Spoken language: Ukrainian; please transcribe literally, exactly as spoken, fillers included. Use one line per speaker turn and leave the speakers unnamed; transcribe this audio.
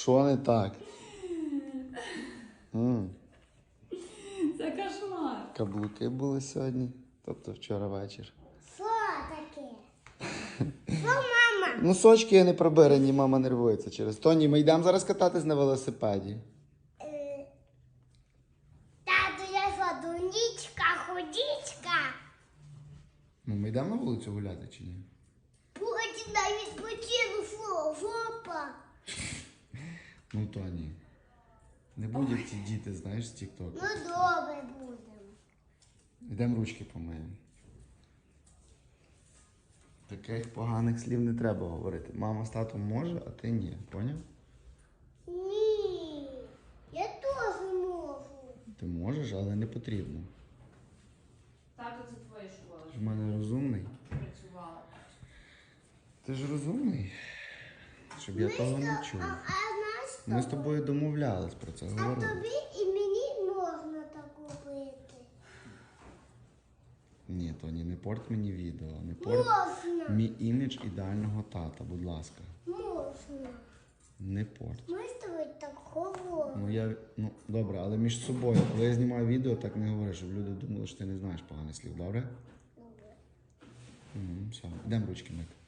Що не так? М.
Це кошмар.
Каблуки були сьогодні, тобто вчора вечір.
Що таке? Що, мама?
Носочки не пробирані, мама нервується через. Тоні, ми йдемо зараз кататись на велосипеді.
Е, Тату, я що, дунічка, ходічка?
Ну, ми йдемо на вулицю гуляти чи ні?
Потім на відпочину, фу, жопа.
Ну, Тоні. Не будуть ці діти, знаєш, з тік-току.
Ну, добре будемо.
Йдемо ручки помиємо. Таких поганих слів не треба говорити. Мама з татом може, а ти ні. Поняв?
Ні, я теж можу.
Ти можеш, але не потрібно.
Тато, це твоя школа.
Ти ж в мене розумний.
Працювала.
Ти ж розумний. Щоб я того не чув.
А, а знаєш,
Ми з тобою домовлялись про це,
а
говорили.
тобі і мені можна так робити.
Ні, Тоні, не порт мені відео, не порт
Можна,
мій імідж ідеального тата, будь ласка.
можна.
Не порт.
Ми з тобою так говоримо.
Ну я, ну добре, але між собою, коли я знімаю відео, так не говори, щоб люди думали, що ти не знаєш поганих слів, добре?
Добре.
Угу, все, йдемо ручки мити.